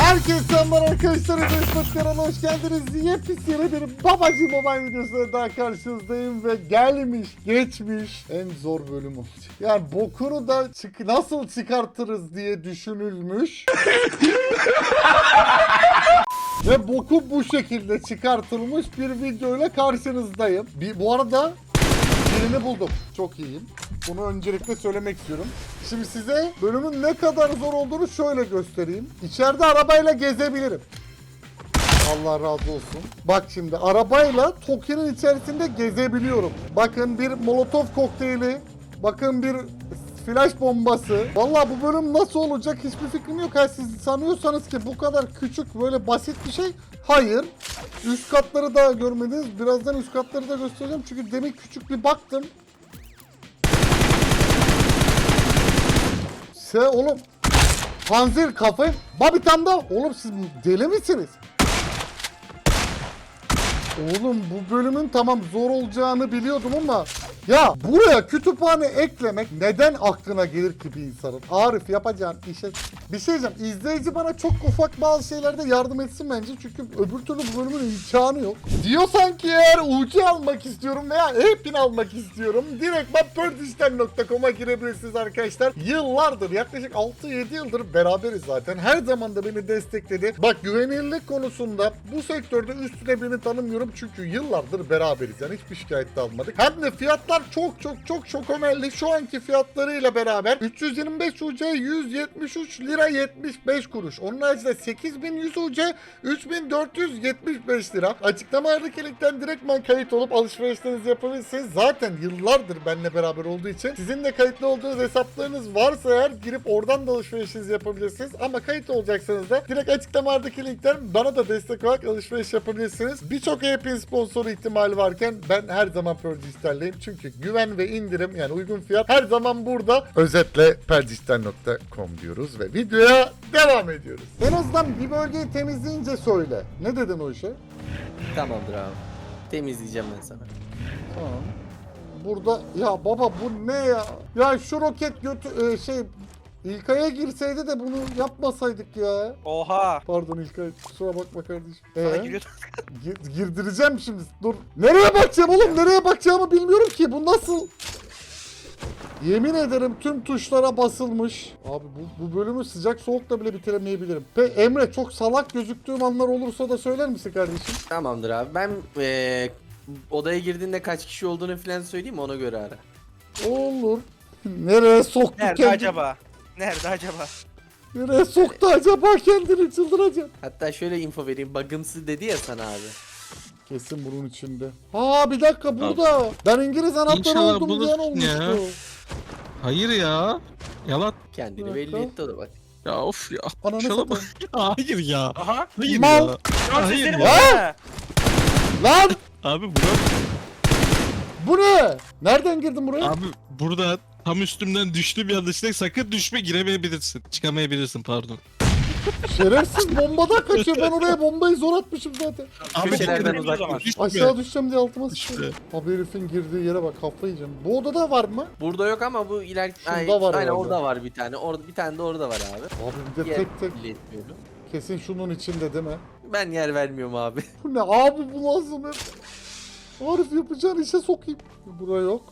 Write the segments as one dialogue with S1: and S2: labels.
S1: Herkese selamlar arkadaşlar. Mesut kanalına hoş geldiniz. Yepyeni bir Babacı Mobile videosuyla daha karşınızdayım ve gelmiş geçmiş en zor bölüm olacak. Yani bokunu da nasıl çıkartırız diye düşünülmüş. Ve boku bu şekilde çıkartılmış bir videoyla karşınızdayım. Bu arada birini buldum. Çok iyiyim. Bunu öncelikle söylemek istiyorum. Şimdi size bölümün ne kadar zor olduğunu şöyle göstereyim. İçeride arabayla gezebilirim. Allah razı olsun. Bak şimdi arabayla Toki'nin içerisinde gezebiliyorum. Bakın bir Molotov kokteyli. Bakın bir flash bombası. Vallahi bu bölüm nasıl olacak hiçbir fikrim yok. Siz sanıyorsanız ki bu kadar küçük böyle basit bir şey. Hayır. Üst katları da görmediniz. Birazdan üst katları da göstereceğim. Çünkü demin küçük bir baktım. Oğlum. Panzer kafayı. Bir tane daha. Oğlum siz deli misiniz? Oğlum bu bölümün tamam zor olacağını biliyordum ama ya buraya kütüphane eklemek neden aklına gelir ki bir insanın? Arif yapacağın işe bir şey diyeceğim. İzleyici bana çok ufak bazı şeylerde yardım etsin bence. Çünkü öbür türlü bu bölümün imkanı yok. Diyorsan ki eğer UC almak istiyorum veya e-pin almak istiyorum. Direkt perdişten.com'a girebilirsiniz arkadaşlar. Yıllardır yaklaşık 6-7 yıldır beraberiz zaten. Her zaman da beni destekledi. Bak güvenilirlik konusunda bu sektörde üstüne birini tanımıyorum. Çünkü yıllardır beraberiz. Yani hiçbir şikayet de almadık. Hem de fiyatlar çok önemli. Şu anki fiyatlarıyla beraber 325 UC 173 lira 75 kuruş. Onun haricinde 8100 UC 3475 lira. Açıklamalardaki linkten direktman kayıt olup alışverişlerinizi yapabilirsiniz. Zaten yıllardır benimle beraber olduğu için sizin de kayıtlı olduğunuz hesaplarınız varsa eğer girip oradan da alışverişinizi yapabilirsiniz. Ama kayıt olacaksanız da direkt açıklamalardaki linkten bana da destek olarak alışveriş yapabilirsiniz. Birçok e-pin sponsoru ihtimali varken ben her zaman Perdişten'leyim. Çünkü güven ve indirim yani uygun fiyat her zaman burada. Özetle perdişten.com diyoruz ve videoya devam ediyoruz. En azından bir bölgeyi temizleyince söyle. Ne dedin o işe?
S2: Tamamdır abi. Temizleyeceğim ben sana.
S1: Tamam. Burada ya baba bu ne ya? Ya şu roket İlkay'a girseydi de bunu yapmasaydık ya.
S3: Oha.
S1: Pardon İlkay kusura bakma kardeşim.
S3: Sana giriyor.
S1: Girdireceğim şimdi. Dur. Nereye bakacağım oğlum? Nereye bakacağımı bilmiyorum ki. Bu nasıl? Yemin ederim tüm tuşlara basılmış. Abi bu bölümü sıcak soğukla bile bitiremeyebilirim. Emre çok salak gözüktüğüm anlar olursa da söyler misin kardeşim?
S2: Tamamdır abi. Ben odaya girdiğinde kaç kişi olduğunu falan söyleyeyim mi? Ona göre ara.
S1: Olur. Nereye soktu
S3: Nerede
S1: kendini?
S3: acaba? Nerede acaba?
S1: Nereye soktu acaba kendini çıldıracağım.
S2: Hatta şöyle info vereyim. Bug'ımsı dedi ya sana abi.
S1: Kesin bunun içinde. Bir dakika burada. Ben İngiliz anahtarı
S4: İnşallah
S1: oldum
S4: bulursun
S1: diyen olmuştu.
S4: ya. Hayır ya. Yalan.
S2: Kendini
S1: Bir
S2: belli
S1: dakika.
S2: etti o da bak.
S4: Ya of ya.
S1: Ananı
S4: Şuna bak.
S1: satayım.
S4: Hayır ya.
S3: Aha.
S4: Hayır
S1: Mal.
S4: ya.
S3: Lan
S4: Hayır
S3: sesleri
S4: ya.
S3: bu.
S1: Lan
S4: Abi Burak.
S1: bu ne? Nereden girdin buraya?
S4: Abi burada tam üstümden düştüm yanlışlıkla. Sakın düşme, giremeyebilirsin. Çıkamayabilirsin pardon.
S1: Şerefsiz bombadan kaçıyor. Ben oraya bombayı zor atmışım zaten.
S4: Abi
S2: Köşelerden
S3: bu-
S2: uzak dur.
S4: düşme.
S1: Aşağı düşeceğim diye altıma
S4: Düşme.
S1: sıçradım. Abi herifin girdiği yere bak kafayı yiyeceğim. Bu odada var mı?
S2: Burada yok ama bu ileriki...
S1: Şurada
S2: Aynen,
S1: var
S2: aynen
S1: herhalde.
S2: orada var bir tane. Orada bir tane de orada var abi.
S1: Abi bir de
S2: Yer
S1: tek tek
S2: belli etmiyorum.
S1: kesin şunun içinde değil mi?
S2: Ben yer vermiyorum abi.
S1: Bu ne abi bu lazım hep. Arif yapacağın işe sokayım. Bura yok.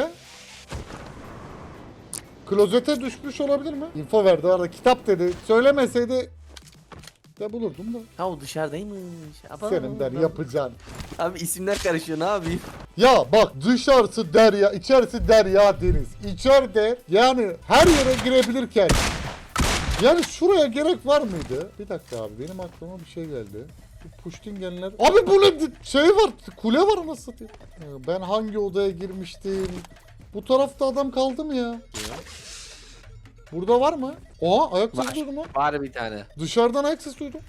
S1: Klozete düşmüş olabilir mi? İnfo verdi arada kitap dedi. Söylemeseydi de bulurdum da.
S2: Ha o dışarıdaymış. Aba.
S1: Senin der yapacağın.
S2: Abi isimler karışıyor ne yapayım?
S1: Ya bak dışarısı derya, içerisi derya deniz. İçeride yani her yere girebilirken yani şuraya gerek var mıydı? Bir dakika abi benim aklıma bir şey geldi. Bu Pushtingenler. Abi bu ne şey var, kule var nasıl satayım? Ben hangi odaya girmiştim? Bu tarafta adam kaldı mı ya? Burada var mı? Oha ayak sesi
S2: Var.
S1: duydum lan.
S2: Var bir tane.
S1: Dışarıdan ayak sesi duydum.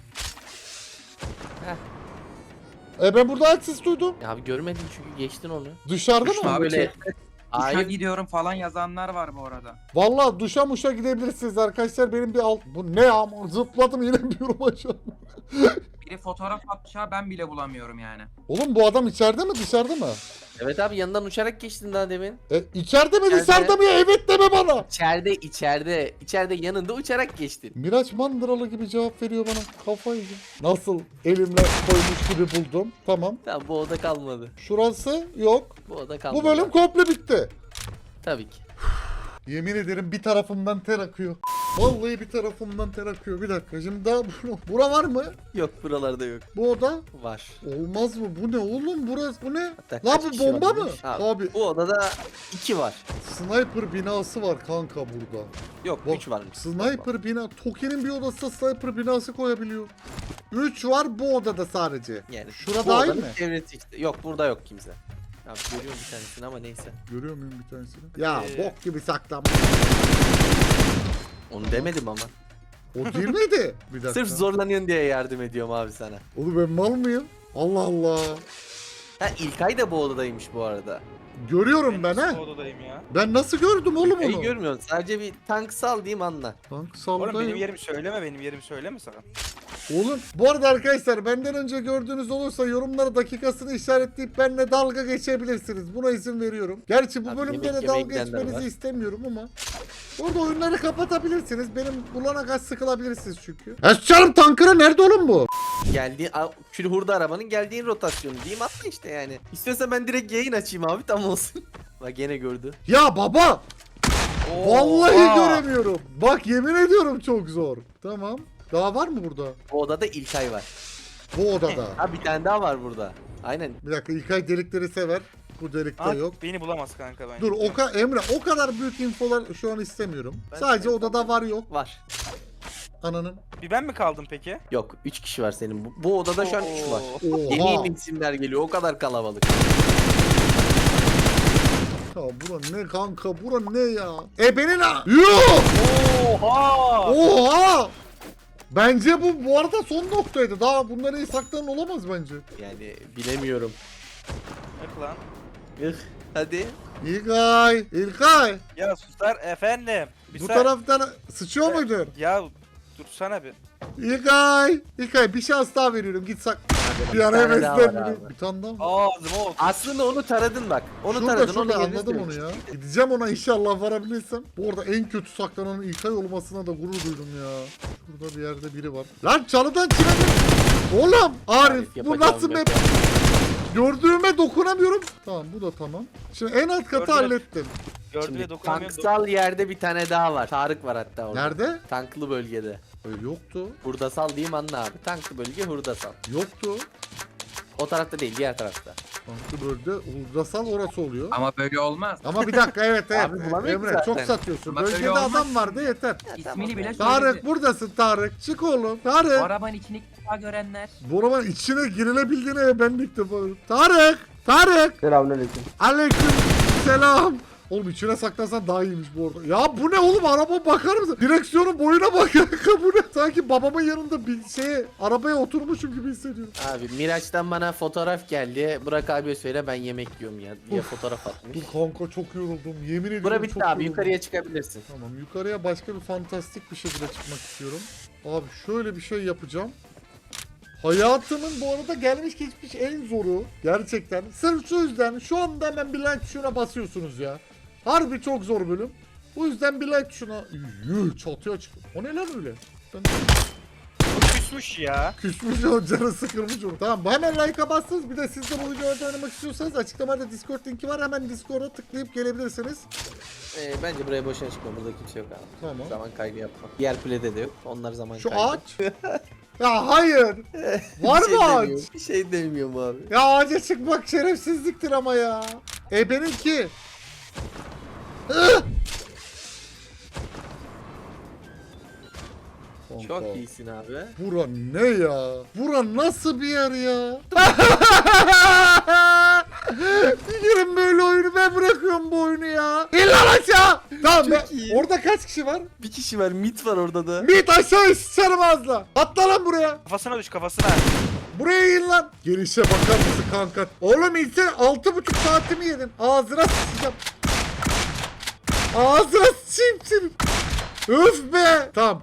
S2: Heh.
S1: Ben burada ayak sesi duydum.
S2: Ya abi görmedin çünkü geçtin onu.
S1: Dışarıda
S2: Düşman
S1: mı?
S2: böyle.
S5: Duşa
S2: Hayır.
S5: gidiyorum falan yazanlar var bu arada.
S1: Vallahi duşa muşa gidebilirsiniz arkadaşlar. Benim bir alt... Bu ne ama zıpladım inemiyorum aşağı.
S5: Biri fotoğraf atmış ha, ben bile bulamıyorum yani.
S1: Oğlum bu adam içeride mi dışarıda mı?
S2: Evet abi yanından uçarak geçtin daha demin.
S1: İçeride mi
S2: İçeride.
S1: dışarıda mı ya? Evet deme bana.
S2: İçeride yanında uçarak geçtin.
S1: Miraç Mandıralı gibi cevap veriyor bana. Kafayı yiyeceğim. Nasıl elimle koymuş gibi buldum. Tamam.
S2: Tamam bu oda kalmadı.
S1: Şurası yok.
S2: Bu oda kalmadı.
S1: Bu bölüm komple bitti.
S2: Tabii ki.
S1: Yemin ederim bir tarafımdan ter akıyor. Vallahi bir tarafımdan ter akıyor. Bir dakika şimdi daha bura var mı?
S2: Yok buralarda yok.
S1: Bu oda?
S2: Var.
S1: Olmaz mı? Bu ne oğlum? Burası bu ne?
S2: Hatta
S1: Lan
S2: kaç
S1: bu
S2: kişi
S1: bomba
S2: var
S1: mı?
S2: bilmiş?
S1: Abi
S2: Bu odada 2 var.
S1: sniper binası var kanka burada.
S2: Yok
S1: Bak,
S2: 3 varmış.
S1: Sniper bina. Toki'nin bir odasına sniper binası koyabiliyor. 3 var bu odada sadece.
S2: Yani
S1: Şura
S2: bu
S1: dahil
S2: odanın
S1: mi?
S2: çevresi işte. Yok burada yok kimse. Abi görüyorum bir tanesini ama neyse.
S1: Görüyor muyum bir tanesini? Ya bok gibi saklanmış.
S2: Onu demedim ama.
S1: O değil miydi? Bir dakika.
S2: Sırf zorlanıyorsun diye yardım ediyorum abi sana.
S1: Oğlum ben mal mıyım? Allah Allah.
S2: Ha İlkay da bu odadaymış bu arada.
S1: Görüyorum ben ha.
S3: Odadayım ya.
S1: Ben nasıl gördüm oğlum
S2: İlkay'ı
S1: onu?
S2: görmüyorsun. Sadece bir tank sal diyeyim anla.
S1: Tank
S3: Oğlum benim
S1: saldayım.
S3: yerimi söyleme, benim yerimi söyleme sakın.
S1: Oğlum bu arada arkadaşlar benden önce gördüğünüz olursa yorumlara dakikasını işaretleyip benimle dalga geçebilirsiniz. Buna izin veriyorum. Gerçi bu
S2: Abi
S1: bölümde
S2: yemek
S1: de
S2: yemeye
S1: dalga
S2: gidenler
S1: geçmenizi
S2: var.
S1: istemiyorum ama. Orada oyunları kapatabilirsiniz. Benim bulana kaç sıkılabilirsiniz çünkü. Esçarım tankıra nerede oğlum bu?
S2: Külhurda arabanın geldiğin rotasyonu diyeyim atla işte yani. İstiyorsan ben direkt yayın açayım abi tam olsun. Bak gene gördü.
S1: Ya baba!
S3: Oo,
S1: Vallahi
S3: aa.
S1: göremiyorum. Bak yemin ediyorum çok zor. Tamam. Daha var mı burada?
S2: Bu odada İlkay var.
S1: Bu odada.
S2: Ha bir tane daha var burada. Aynen.
S1: Bir dakika İlkay delikleri sever. Bu delikte
S3: Aa,
S1: yok.
S3: beni bulamaz kanka ben.
S1: Dur Emre o kadar büyük infolar şu an istemiyorum.
S2: Ben
S1: Sadece
S2: seni
S1: odada var yok.
S2: Var.
S1: Ananın.
S3: Bir ben mi kaldım peki?
S2: Yok 3 kişi var senin. Bu odada şu an 3 var.
S3: Oo.
S2: Yeni
S1: Oha.
S2: yeni isimler geliyor o kadar kalabalık.
S1: Ya bura ne kanka bura ne ya? Benim ha. Yuh!
S3: Oha!
S1: Oha! Bence bu arada son noktaydı. Daha bunların iyi saklanan olamaz bence.
S2: Yani bilemiyorum.
S3: Yok lan.
S2: Ih, hadi.
S1: İlkay.
S3: Ya susar efendim.
S1: Bu taraftan sıçıyor muydun?
S3: Ya dursana bir.
S1: İlkay bir şans daha veriyorum. Git sak. Bir
S2: Bir
S1: ara
S2: tane daha var
S1: heveslen
S2: abi.
S1: beni. Bir tane daha mı?
S3: Ağzıma oldu.
S2: Aslında onu taradın bak. Onu
S1: Şurada
S2: taradın.
S1: şurada
S2: onu yerini
S1: anladım onu
S2: söylemiş.
S1: ya. Gideceğim ona inşallah varabilirsem. Bu arada en kötü saklanan İlkay olmasına da gurur duydum ya. Şurada bir yerde biri var. Lan çalıdan çıkabilir. Oğlum Arif bu
S2: yapacağım
S1: nasıl
S2: yok
S1: map? Gördüğüme dokunamıyorum. Tamam bu da tamam. Şimdi en alt katı
S3: Gördüm.
S1: hallettim.
S3: Gördü
S2: Şimdi
S3: ve dokunamıyorum.
S2: tanksal yerde bir tane daha var. Tarık var hatta orada.
S1: Nerede?
S2: Tanklı bölgede.
S1: Yoktu.
S2: Hurdasal diyeyim anla abi. Tanklı bölge hurdasal.
S1: Yoktu.
S2: O tarafta değil diğer tarafta.
S1: Tanklı bölge Uldrasal orası oluyor.
S5: Ama böyle olmaz.
S1: Ama bir dakika evet
S2: Abi bulamıyorum
S1: Emre çok
S2: zaten.
S1: satıyorsun.
S5: Bak öyle
S1: Bölgede
S5: olmaz
S1: adam
S5: ki.
S1: vardı yeter.
S5: İsmini bile
S1: Tarık
S5: söyledi.
S1: buradasın Tarık. Çık oğlum.
S5: Bu
S1: Tarık.
S5: arabanın içini ilk defa görenler.
S1: Bu arabanın içine girilebildiğine ben de ilk defa görüyorum. Tarık. Tarık.
S6: Selamünaleyküm.
S1: Aleyküm selam. Oğlum içine saklasan daha iyiymiş bu arada. Ya bu ne oğlum araba bakar mısın? Direksiyonun boyuna bak kanka bu ne? Sanki babamın yanında bir arabaya oturmuşum gibi hissediyorum.
S2: Abi Miraç'tan bana fotoğraf geldi. Burak abiye söyle ben yemek yiyorum ya diye fotoğraf atmış.
S1: Dur kanka çok yoruldum. Yemin ediyorum
S2: Bura
S1: çok
S2: bitti abi
S1: yoruldum.
S2: yukarıya çıkabilirsin.
S1: Tamam yukarıya başka bir fantastik bir şekilde çıkmak istiyorum. Abi şöyle bir şey yapacağım. Hayatımın bu arada gelmiş geçmiş en zoru. Gerçekten. Sırf şu yüzden şu anda hemen bir like tuşuna basıyorsunuz ya. Harbi çok zor bölüm. Bu yüzden bir like tuşuna... Yuh çatıya çıktı. O ne lan öyle? Ben
S3: Bu küsmüş ya.
S1: küsmüş o canı sıkılmış onu. Tamam hemen like'a bastınız. Bir de siz de bu videoda oynamak istiyorsanız açıklamada Discord linki var. Hemen Discord'a tıklayıp gelebilirsiniz.
S2: Bence buraya boşuna çıkma. Burada kimse yok abi.
S1: Tamam.
S2: Zaman kaybı yapma. Diğer kulede de yok. Onlar zaman
S1: Şu
S2: kaybı.
S1: ağaç. Ya hayır. Var
S2: Bir şey
S1: mı ağaç?
S2: demiyorum. Bir şey demiyorum abi.
S1: Ya ağaca çıkmak şerefsizliktir ama ya. Benimki.
S2: Çok iyisin abi.
S1: Bura ne ya? Bura nasıl bir yer ya? Girin böyle oyunu ben bırakıyorum bu oyunu ya. İn lan aşağı. Tamam
S2: Çok
S1: be.
S2: iyi.
S1: Orada kaç kişi var?
S2: Bir kişi var. Mit var orada da.
S1: Mit aşağı sıçarım ağzına. Atla lan buraya.
S3: Kafasına düş kafasına.
S1: Buraya in lan. Gelişe bakar mısın kanka? Oğlum insan 6,5 saatimi yedin. Ağzına sıçacağım. Ağzına sıçayım senin. Öf be. Tamam.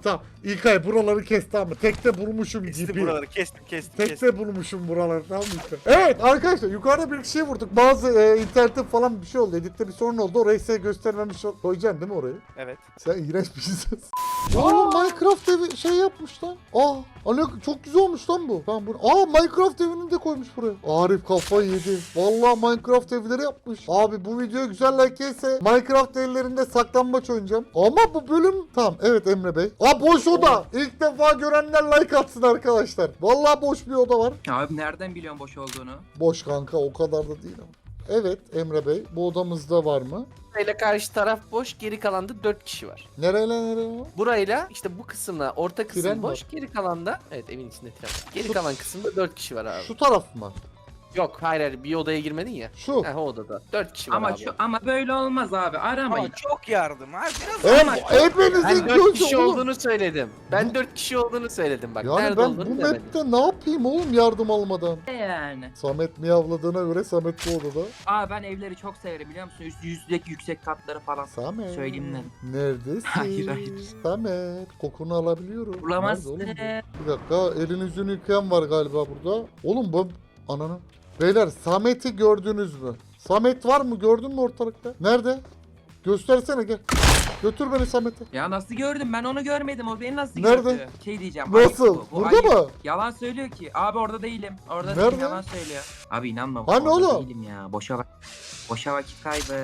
S1: İlkay buraları kes tamam mı? Tekte bulmuşum
S3: Kestim
S1: gibi.
S3: buraları kestim.
S1: Tekte bulmuşum buraları tamam mı İlkay? Evet arkadaşlar yukarıda bir kişiye vurduk. Bazı internette falan bir şey oldu. Editte bir sorun oldu. Orayı size göstermemiş koyacaksın değil mi orayı?
S3: Evet.
S1: Sen iğrenç bir şeysin. Oğlum Minecraft evi şey yapmış lan. Hani çok güzel olmuş lan bu. Tamam bu. Minecraft evini de koymuş buraya. Arif kafayı yedi. Vallahi Minecraft evleri yapmış. Abi bu video güzel like gelirse Minecraft evlerinde saklambaç oynayacağım. Ama bu bölüm tamam. Evet Emre Bey. Boş oda. İlk defa görenler like atsın arkadaşlar. Vallahi boş bir oda var.
S5: Abi nereden biliyorsun boş olduğunu?
S1: Boş kanka o kadar da değil ama. Evet Emre Bey bu odamızda var mı?
S2: Burayla karşı taraf boş, geri kalanda 4 kişi var.
S1: Nereye?
S2: Burayla işte bu kısımla orta kısım
S1: Tren
S2: boş,
S1: var.
S2: geri kalanda evet evin içinde tren var. Geri
S1: Şu-
S2: kalan kısımda 4 kişi var abi.
S1: Şu taraf mı?
S2: Yok hayır bir odaya girmedin ya.
S1: Şu.
S2: Heh, o odada 4 kişi var
S5: Ama
S2: abi.
S5: ama böyle olmaz abi. Aramayın.
S3: Ama çok yardım ha. Biraz
S1: Hepinizin
S2: Ben 4
S1: gözü
S2: kişi
S1: oğlum.
S2: olduğunu söyledim. Ben
S1: Bu-
S2: 4 kişi olduğunu söyledim bak.
S1: Yani
S2: Nerede
S1: ben
S2: olduğunu
S1: bu
S2: demedim.
S1: map'te ne yapayım oğlum yardım almadan?
S5: Yani.
S1: Samet miyavladığına göre Samet bu odada.
S5: Ben evleri çok severim biliyor musun? Yüzdeki yüksek katları falan.
S1: Samet.
S5: Söyleyeyim dedim.
S1: Neredesin?
S5: Hayır.
S1: Samet. Kokunu alabiliyorum.
S5: Bulamazsın.
S1: Nerede oğlum bu? Bir dakika elini yüzünü yıkayan var galiba burada. Oğlum bu ananı. Beyler Samet'i gördünüz mü? Samet var mı? Gördün mü ortalıkta? Nerede? Göstersene gel. Götür beni Samet'e.
S5: Ya nasıl gördüm? Ben onu görmedim. O beni nasıl
S1: Nerede?
S5: gördü? Şey diyeceğim.
S1: Nasıl?
S5: ayıp bu
S1: Burada
S5: ayıp.
S1: mı?
S5: Yalan söylüyor ki. Abi orada değilim. Orada
S1: Nerede?
S5: değilim. Yalan söylüyor. Abi inanma.
S1: Hani
S5: orada
S1: oğlum?
S5: değilim ya. Boşa vakit kaybı.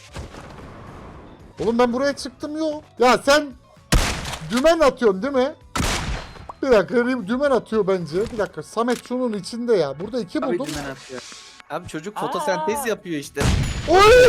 S1: Oğlum ben buraya çıktım yok. Ya sen dümen atıyorsun değil mi? Bir dakika dümen atıyor bence. Bir dakika Samet şunun içinde ya. Burada 2
S5: Abi
S1: buldum.
S5: dümen atıyor.
S2: Abi çocuk fotosentez yapıyor işte.
S1: Oy!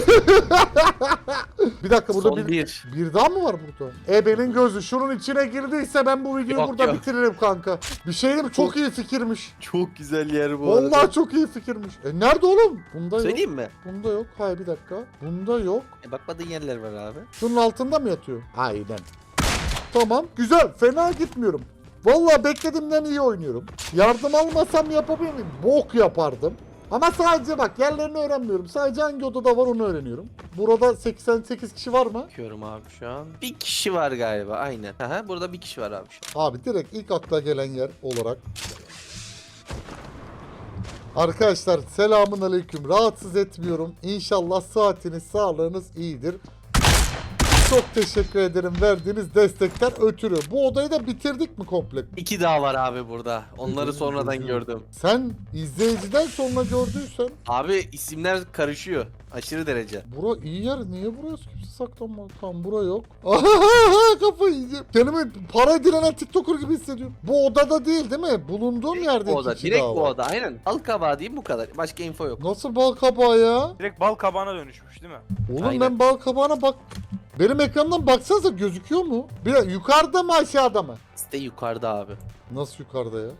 S1: Bir dakika burada
S2: Son bir.
S1: bir daha mı var burada? Ebe'nin gözü şunun içine girdiyse ben bu videoyu
S2: Yok,
S1: burada
S2: yok.
S1: bitiririm kanka. Bir şey diyeyim mi? Çok iyi fikirmiş.
S2: Çok güzel yer bu
S1: Vallahi
S2: arada.
S1: çok iyi fikirmiş. Nerede oğlum? Bunda yok.
S2: Söyleyeyim mi?
S1: Bunda yok. Hayır bir dakika. Bunda yok.
S2: Bakmadığın yerler var abi.
S1: Şunun altında mı yatıyor? Aynen. Tamam. Güzel. Fena gitmiyorum. Vallahi beklediğimden iyi oynuyorum. Yardım almasam yapabilir miyim? Bok yapardım. Ama sadece bak yerlerini öğrenmiyorum. Sadece hangi odada var onu öğreniyorum. Burada 88 kişi var mı?
S2: Bakıyorum abi şu an. Bir kişi var galiba aynen. Aha, burada bir kişi var abi şu an.
S1: Abi direkt ilk akla gelen yer olarak. Arkadaşlar selamun aleyküm. Rahatsız etmiyorum. İnşallah saatiniz, sağlığınız iyidir. Çok teşekkür ederim verdiğiniz destekten ötürü. Bu odayı da bitirdik mi komple?
S2: 2 daha var abi burada. Onları sonradan
S1: Güzel.
S2: gördüm.
S1: Sen izleyiciden sonra gördüysen
S2: Abi isimler karışıyor. Aşırı derece.
S1: bura iyi yer. Niye burası kimse saklanmaz? Tamam bura yok. Kafayı yiyeceğim. Kendimi para dilenen TikToker gibi hissediyorum. Bu odada değil değil mi? Bulunduğum yerde
S2: Bu oda.
S1: iki kişi
S2: Direkt
S1: daha
S2: bu
S1: var.
S2: oda. Aynen. Al kabağı diyeyim bu kadar. Başka info yok.
S1: Nasıl bal kabağı ya?
S3: direkt bal kabağına dönüşmüş değil mi?
S1: Oğlum
S2: Aynen.
S1: ben bal kabağına bak. Benim ekrandan baksanıza gözüküyor mu? Bir yukarıda mı aşağıda mı?
S2: Site yukarıda abi.
S1: Nasıl yukarıda ya?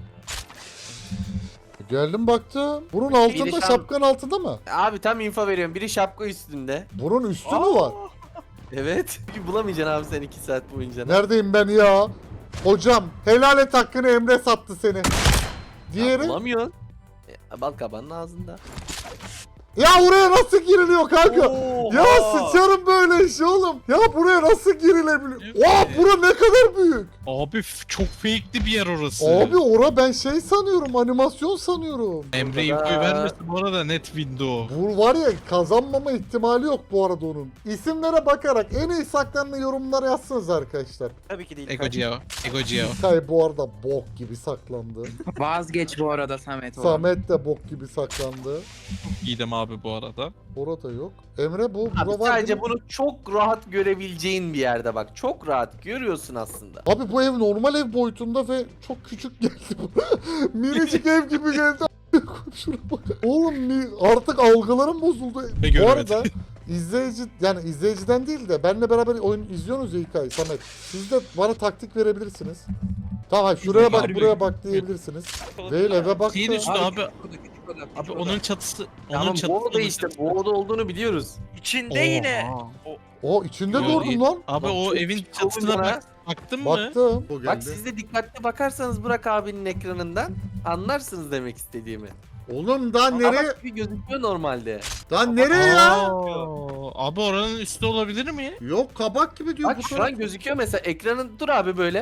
S1: Geldim baktım. Bunun altında
S2: Biri
S1: şapkanın altında mı?
S2: Abi tam info veriyorum. Biri şapka üstünde.
S1: Bunun üstü mü var?
S2: Evet. Çünkü bulamayacaksın abi sen 2 saat boyunca.
S1: Neredeyim ben ya? Hocam helal et hakkını Emre sattı seni.
S2: Ya
S1: Diğeri?
S2: bulamıyorsun. Bal kabağının ağzında.
S1: Ya oraya nasıl giriliyor kanka?
S3: Oha!
S1: Ya sıçarım böyle işi oğlum. Ya buraya nasıl girilebiliyor? Oha bura ne kadar büyük.
S4: Abi çok fake'li bir yer orası.
S1: Abi ora ben şey sanıyorum animasyon sanıyorum.
S4: Emre infoyu vermesin bu arada net window.
S1: Bu var ya kazanmama ihtimali yok bu arada onun. İsimlere bakarak en iyi saklanan yorumlara yazsınız arkadaşlar.
S3: Tabii ki değil.
S4: Ego Geo. Ego Geo.
S1: İlkay bu arada bok gibi saklandı.
S5: Vazgeç bu arada Samet.
S1: Samet de bok gibi saklandı.
S4: İyiydim abi bu arada.
S1: Orada yok. Emre bu
S2: Abi
S1: bura var
S2: sadece
S1: değil mi?
S2: bunu çok rahat görebileceğin bir yerde bak. Çok rahat görüyorsun aslında.
S1: Abi bu ev normal ev boyutunda ve çok küçük geldi bu. Minicik ev gibi geldi. Şuna bak. Oğlum artık algılarım bozuldu.
S4: Ne
S1: Bu
S4: göremedim.
S1: arada izleyici yani izleyiciden değil de benle beraber oyun izliyorsunuz ya İlkay, Samet. Siz de bana taktik verebilirsiniz. Tamam şuraya bak buraya bak diyebilirsiniz. Değil eve bak.
S4: Şeyin üstü abi.
S5: Küçük oda,
S4: Abi onun çatısı. Onun
S2: Tamam
S4: çatısı.
S2: bu oda işte. Bu oda olduğunu biliyoruz.
S3: İçinde yine.
S1: O içinde
S4: Yo,
S1: gördüm lan.
S4: Abi
S2: Bak,
S4: o
S2: çok
S4: evin
S2: küçük
S4: çatısına
S2: olunca-
S4: baktın mı?
S1: Baktım. O
S2: Bak
S1: geldi.
S2: siz de dikkatli bakarsanız Burak abinin ekranından anlarsınız demek istediğimi.
S1: Oğlum daha nereye?
S2: Kabak gibi gözüküyor normalde.
S1: Daha nereye ya?
S4: Aa, abi oranın üstü olabilir mi?
S1: Yok kabak gibi diyor
S2: Bak
S1: bu
S2: şu
S1: taraf.
S2: an gözüküyor mesela ekranın dur abi böyle.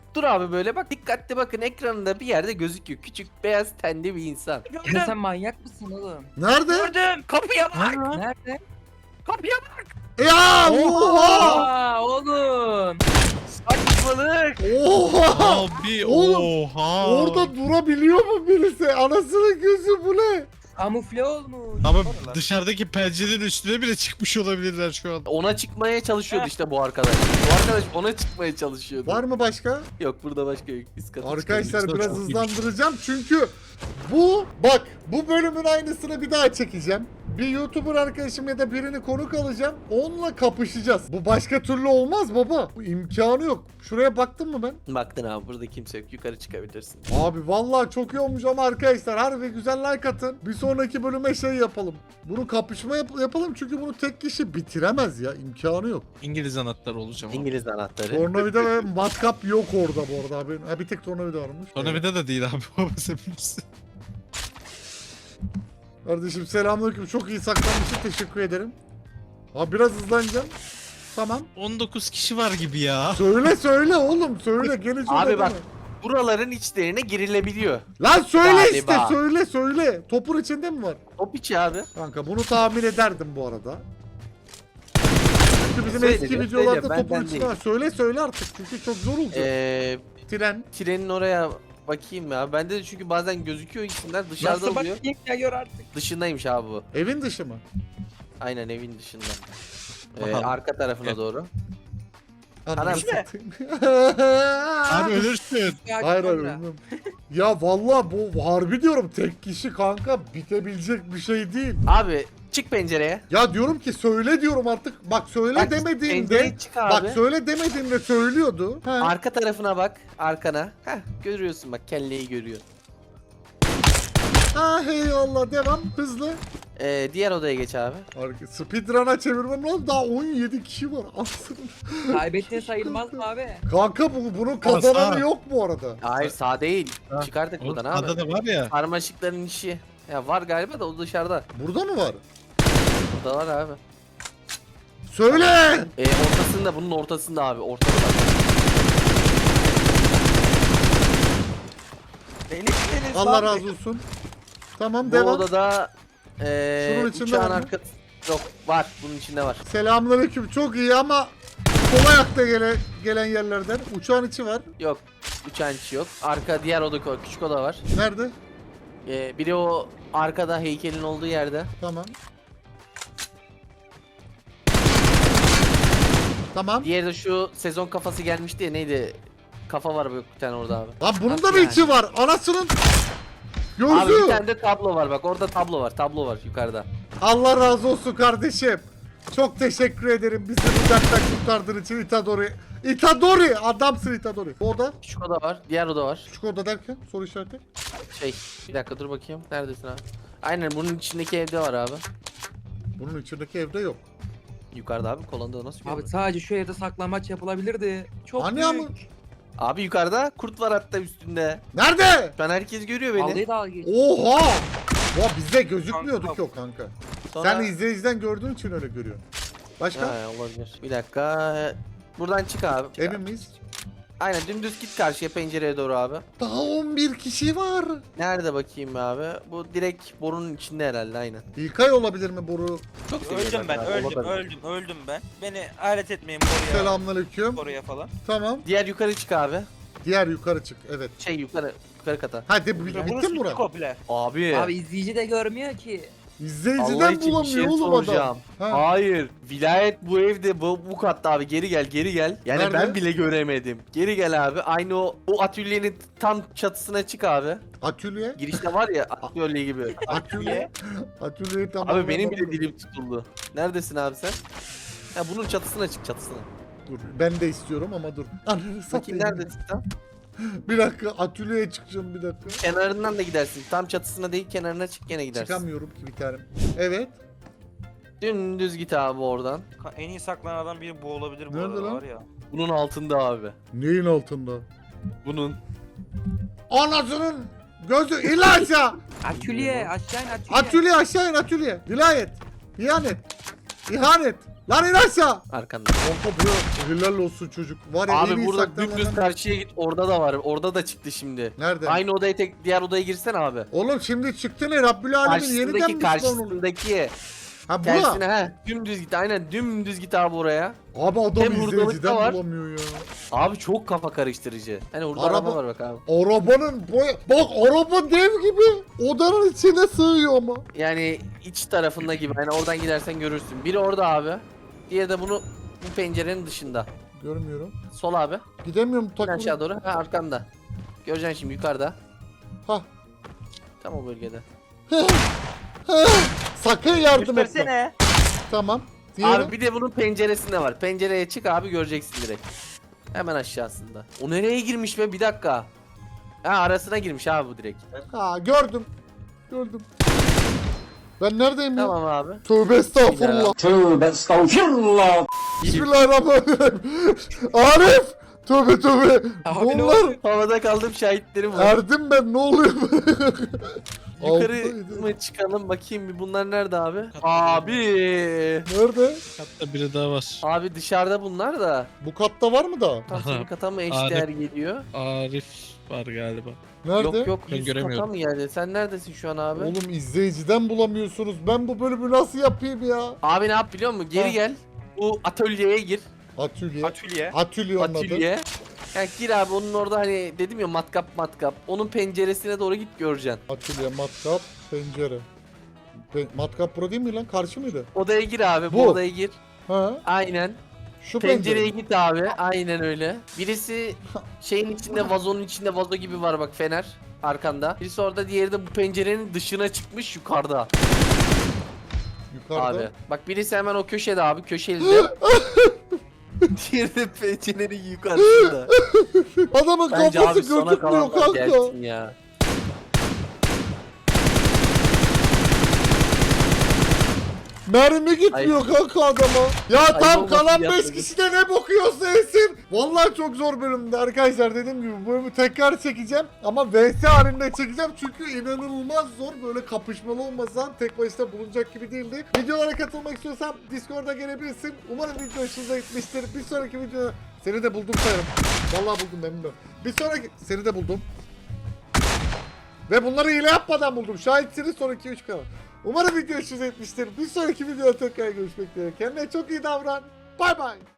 S2: Dur abi böyle bak dikkatli bakın ekranında bir yerde gözüküyor. Küçük beyaz tenli bir insan.
S5: Ya
S3: Gördüm.
S5: sen manyak mısın oğlum?
S1: Nerede?
S3: Gördüm. Kapıya bak.
S5: Nerede?
S3: Kapıya bak.
S1: Ya oha!
S5: Aa oğlum.
S3: Saçmalık.
S1: Oha!
S4: Abi
S1: Oğlum,
S4: oha.
S1: Orada durabiliyor mu birisi? Anasının gözü bu ne?
S5: Kamufle olmuş.
S4: Ama
S3: Oralar.
S4: dışarıdaki pencerenin üstüne bile çıkmış olabilirler şu an.
S2: Ona çıkmaya çalışıyordu işte bu arkadaş. Bu arkadaş ona çıkmaya çalışıyordu.
S1: Var mı başka?
S2: Yok burada başka yok. Üst kata
S1: Arkadaşlar
S4: Çok
S1: biraz
S4: iyi.
S1: hızlandıracağım çünkü bu bölümün aynısını bir daha çekeceğim. Bir YouTuber arkadaşım ya da birini konuk alacağım. Onunla kapışacağız. Bu başka türlü olmaz baba. Bu imkanı yok. Şuraya baktın mı ben?
S2: çıkıyor. Baktın abi burada kimse yok. Yukarı çıkabilirsin.
S1: Abi vallahi çok iyi olmuş ama arkadaşlar harbi güzel like atın. Bir sonraki bölüme şey yapalım. Bunu kapışma yapalım çünkü bunu tek kişi bitiremez ya. İmkanı yok.
S4: İngiliz anahtarı olacağım.
S2: İngiliz anahtarı.
S1: Tornavida ve matkap yok orada bu arada abi. Ha, bir tek tornavida varmış.
S4: Tornavida da değil abi. Baba sen bilirsin.
S1: Kardeşim selamünaleyküm. Çok iyi saklanmışsın. Teşekkür ederim. Abi biraz hızlanacağım. Tamam.
S4: 19 kişi var gibi ya.
S1: Söyle oğlum. Söyle. Gene söyle.
S2: Abi bak.
S1: deme.
S2: Buraların içlerine girilebiliyor.
S1: Lan söyle
S2: Galiba.
S1: işte. Söyle. Topun içinde mi var?
S2: Top içi abi.
S1: Kanka bunu tahmin ederdim bu arada. Çünkü bizim
S2: Söyle,
S1: eski
S2: söyle,
S1: videolarda
S2: ben
S1: topun içinde
S2: değil.
S1: var. Söyle artık. Çünkü çok zor olacak. Tren.
S2: Trenin oraya bakayım ya. Bende de çünkü bazen gözüküyor isimler dışarıda
S5: Nasıl
S2: oluyor.
S5: bakayım ya gör artık.
S2: Dışındaymış abi bu.
S1: Evin dışı mı?
S2: Aynen evin dışında.
S4: Bakalım.
S2: Arka tarafına doğru.
S1: Ananı
S2: Anam.
S1: satayım.
S4: Abi ölürsün.
S1: Hayır bilmem. Ya vallahi bu harbi diyorum tek kişi kanka bitebilecek bir şey değil.
S2: Abi çık pencereye.
S1: Ya diyorum ki söyle diyorum artık. Bak söyle
S2: Bak,
S1: demediğimde.
S2: pencereye çık abi.
S1: Bak söyle demediğimde söylüyordu. Ha.
S2: Arka tarafına bak. Arkana. Heh görüyorsun bak kelleyi görüyor.
S1: Ah eyvallah devam hızlı.
S2: Diğer odaya geç abi.
S1: Speedrun'a çevirmem lazım daha 17 kişi var. Aslında.
S5: Kaybettiğin sayılmaz mı abi?
S1: Kanka bunun kazananı
S4: Sağ.
S1: yok bu arada.
S2: Hayır sağ değil.
S4: Ha.
S2: Çıkardık
S4: O
S2: buradan abi.
S4: adada var ya.
S2: Sarmaşıkların işi. Ya var galiba da o dışarıda.
S1: Burada mı var?
S2: Burada var abi.
S1: Söyle.
S2: Ortasında bunun ortasında abi. Ortada bak.
S3: Deniz
S1: Allah
S3: lan.
S1: razı olsun. Tamam
S2: Bu
S1: devam.
S2: odada
S1: Şunun içinde
S2: uçağın
S1: var mı?
S2: arka... Yok var. Bunun içinde var.
S1: Selamünaleyküm çok iyi ama sol ayakta gelen yerlerden. Uçağın içi var.
S2: Yok. Uçağın içi yok. Arka diğer oda küçük oda var.
S1: Nerede?
S2: Biri o arkada heykelin olduğu yerde.
S1: Tamam. Tamam.
S2: Diğeri de şu sezon kafası gelmişti ya neydi? Kafa var böyle bir tane orada abi.
S1: Lan bunun da
S2: Nasıl
S1: mı
S2: yani?
S1: içi var? Anasının
S2: Abi bir
S1: gözü.
S2: tane de tablo var bak orada tablo var. Tablo var yukarıda.
S1: Allah razı olsun kardeşim. Çok teşekkür ederim bizi bu dertten kurtardığın için Itadori. Itadori! Adamsın Itadori. Bu oda?
S2: Küçük oda var. Diğer oda var.
S1: Küçük oda derken? Soru işareti.
S2: Bir dakika dur bakayım. Neredesin abi? Aynen bunun içindeki evde var abi.
S1: Bunun içindeki evde yok.
S2: Yukarıda abi kolonda nasıl
S5: Abi
S2: abi,
S5: sadece şu evde saklanmaç yapılabilirdi. Çok
S1: Hani
S5: büyük.
S1: ama?
S2: abi yukarıda kurt var hatta üstünde.
S1: Nerede?
S2: Şu an herkes görüyor beni.
S5: Vallahi dalga geç.
S1: Oha! Ya bizde gözükmüyordu
S3: Kanka.
S1: ki o kanka.
S2: Sonra...
S1: Sen izleyiciden gördüğün için öyle görüyorsun. Başka?
S2: Ha, olabilir. Bir dakika. Buradan çık abi. Çık
S1: Emin
S2: abi.
S1: miyiz?
S2: Aynen dümdüz git karşıya pencereye doğru abi.
S1: Daha 11 kişi var.
S2: Nerede bakayım abi? Bu direkt borunun içinde herhalde aynen.
S1: İlkay olabilir mi boru?
S2: Çok
S3: Öldüm
S2: seviyorum
S3: ben,
S2: abi, olabilir.
S3: öldüm ben. Beni alet etmeyin buraya.
S1: Selamünaleyküm.
S3: Oraya falan.
S1: Tamam.
S2: Diğer yukarı çık abi.
S1: Diğer yukarı çık. Evet.
S2: Yukarı kata.
S1: Hadi
S3: Burası
S1: bitti mi bura?
S3: komple.
S2: Abi.
S5: Abi izleyici de görmüyor ki.
S2: Allah
S1: İzleyiciden
S2: için bir
S1: bulamıyor
S2: şey
S1: oğlum adam.
S2: soracağım.
S1: Ha.
S2: Hayır. Vilayet bu evde bu katta abi. Geri gel. Yani
S1: Nerede?
S2: ben bile göremedim. Geri gel abi. Aynı o atölyenin tam çatısına çık abi.
S1: Atölye.
S2: Girişte var ya atölye gibi.
S1: Atölye. Atölyeyi tamam.
S2: Abi benim bile dilim tutuldu. Neredesin abi sen? Ha bunun çatısına çık çatısına.
S1: Dur ben de istiyorum ama dur. Ananı
S2: Bakayım
S1: satayım.
S2: neredesin sen?
S1: Bir dakika atölyeye çıkacağım bir dakika.
S2: Kenarından da gidersin. Tam çatısına değil kenarına çık gene gidersin.
S1: Çıkamıyorum ki bir tanem. Evet.
S2: Dümdüz git abi oradan.
S3: En iyi saklanan adam biri bu olabilir bu
S1: Nerede
S3: arada
S1: lan?
S3: var ya.
S2: Bunun altında abi.
S1: Neyin altında?
S2: Bunun.
S1: Anasının gözü İlaça.
S5: Atölye aşağı in atölye.
S1: Atölye aşağı in atölye. Vilayet. İhanet. İhanet. Lan in aşağı.
S2: Arkanda.
S1: Kanka bu helal olsun çocuk. Var ya en
S2: Abi
S1: iyi
S2: burada
S1: saklananlardan
S2: dümdüz
S1: biri.
S2: karşıya git. Orada da var. Orada da çıktı şimdi.
S1: Nerede?
S2: Aynı odaya diğer odaya girsen abi.
S1: Oğlum şimdi çıktı ne? Rabbül Alemin yeniden mi spawn oluyor?
S2: Karşısındaki.
S1: Ha
S2: Tersine
S1: bura.
S2: he. Dümdüz git. Aynen dümdüz git abi oraya.
S1: Abi adam
S2: Hem hurdalık da
S1: izleyiciden
S2: var.
S1: bulamıyor ya.
S2: Abi çok kafa karıştırıcı. Hani orada
S1: Araba-
S2: araba var bak abi.
S1: Arabanın boya... Bak araba dev gibi. Odanın içine sığıyor ama.
S2: Yani iç tarafında gibi. Hani oradan gidersen görürsün. Biri orada abi. Diğeri de bu pencerenin dışında.
S1: Görmüyorum.
S2: Sol abi.
S1: Gidemiyorum
S2: İn
S1: takım.
S2: aşağı doğru. Ha arkanda. Göreceksin şimdi yukarıda.
S1: Ha.
S2: Tam o bölgede.
S1: Sakın yardım etme.
S3: Göstersene.
S1: Tamam. Diğeri.
S2: Abi bir de bunun penceresinde var. Pencereye çık abi göreceksin direkt. Hemen aşağısında. O nereye girmiş be? Bir dakika. Ha arasına girmiş abi bu direkt.
S1: Ha gördüm. Gördüm. Ben neredeyim ya?
S2: Tamam abi.
S1: Tövbe estağfurullah.
S6: Tövbe estağfurullah.
S1: Bismillahirrahmanirrahim. Arif. Tövbe tövbe. Bunlar
S2: Havada kaldım şahitlerim var.
S1: erdim ben ne oluyor?
S2: Yukarı
S1: Alttaydı.
S2: mı çıkalım bakayım bir bunlar nerede abi? Abi.
S1: Nerede?
S4: Hatta biri daha var.
S2: Abi dışarıda bunlar da.
S1: Bu katta var mı da?
S2: Tam
S4: Aha.
S2: senin kata mı
S4: Abi.
S2: eşdeğer geliyor?
S4: Arif var galiba.
S1: Nerede?
S2: Yok yok
S4: Ben
S2: üst kata
S4: göremiyorum.
S2: mı geldi? Sen neredesin şu an abi?
S1: Oğlum izleyiciden bulamıyorsunuz. Ben bu bölümü nasıl yapayım ya?
S2: Abi ne yap biliyor musun? Geri
S1: Ha.
S2: gel. Bu atölyeye gir.
S1: Atölye.
S3: Atölye.
S1: Atölye onun adı.
S2: Atölye. Yani gir abi onun orada hani dedim ya matkap. Onun penceresine doğru git göreceksin.
S1: Atölye, matkap, pencere. Matkap bura değil mi lan? Karşı mıydı?
S2: Odaya gir abi bu
S1: Bu.
S2: odaya gir.
S1: Ha?
S2: Aynen.
S1: Şu
S2: Pencereye
S1: pencere.
S2: git abi. Aynen öyle. Birisi şeyin içinde vazonun içinde vazo gibi var bak fener arkanda. Birisi orada diğeri de bu pencerenin dışına çıkmış yukarıda.
S1: Yukarıda.
S2: Abi. Bak birisi hemen o köşede abi köşelide. Diğeri de pencerenin yukarısında.
S1: Adamın
S2: Bence
S1: kafası
S2: abi sona
S1: gözükmüyor
S2: kalanlar
S1: kanka.
S2: gelsin ya.
S1: Mermi gitmiyor kanka adama. Ya
S2: Ayıp
S1: tam
S2: olmasın
S1: kalan
S2: ya
S1: 5
S2: tabii.
S1: kişi de ne bakıyorsa yesin. Vallahi çok zor bölümdü arkadaşlar, dediğim gibi bu bölümü tekrar çekeceğim. Ama vs halinde çekeceğim çünkü inanılmaz zor, böyle kapışmalı olmasan tek başına bulunacak gibi değildi. Videolara katılmak istiyorsan Discord'a gelebilirsin. Umarım video hoşunuza gitmiştir. Bir sonraki videoda seni de buldum sayarım. Vallahi buldum memnunum. Bir sonraki seni de buldum. Ve bunları hile yapmadan buldum. Şahitsiniz sonraki 3 kanal. Umarım video hoşunuza gitmiştir. Bir sonraki videoda tekrar görüşmek üzere. Kendine çok iyi davran. Bay bay.